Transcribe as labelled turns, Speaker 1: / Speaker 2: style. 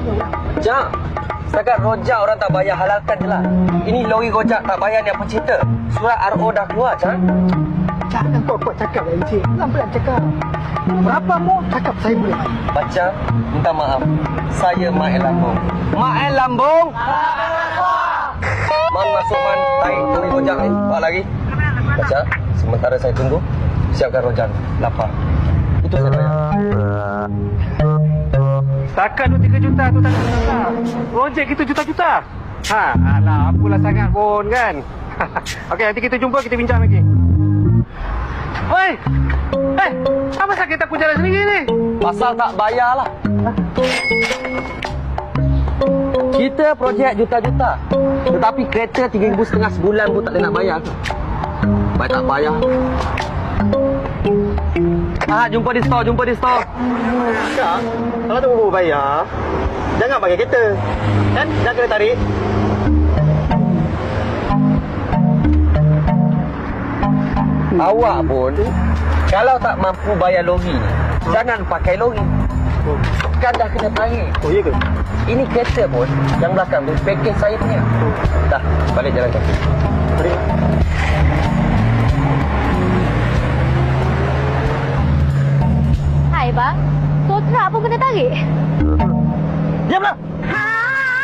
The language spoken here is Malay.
Speaker 1: Cak, setakat rojak orang tak bayar, halalkan je lah. Ini lori rojak tak bayar ni apa cerita? Surat RO dah keluar, Cak.
Speaker 2: Jangan kuat-kuat cakap lah, Encik. Pelan-pelan cakap. Berapa mu cakap saya boleh bayar?
Speaker 1: Baca, minta maaf. Saya Mael Lambung. Mael Lambung? Man masuk man, tarik lori rojak ni. Bawa lagi. Baca, sementara saya tunggu, siapkan rojak. Lapar. Itu saya bayar.
Speaker 3: Takat tu 3 juta tu tak juta. Projek kita juta-juta. Ha, alah, apalah sangat pun kan. Okey, nanti kita jumpa, kita bincang lagi. Oi! Apa sakit takut jalan sendiri ni?
Speaker 1: Pasal tak bayar lah. Kita projek juta-juta. Tetapi kereta 3,500 sebulan pun tak boleh nak bayar. Baik tak bayar. Jumpa di store.
Speaker 2: Kak, kalau tak mau bayar, jangan pakai kereta. Kan? Dah kena tarik.
Speaker 1: Awak pun kalau tak mampu bayar lori ni, jangan pakai lori. Kan dah kena tarik.
Speaker 2: Oh, iya ke?
Speaker 1: Ini kereta pun yang belakang tu package saya punya. Dah, balik jalan kaki.
Speaker 2: Tarik.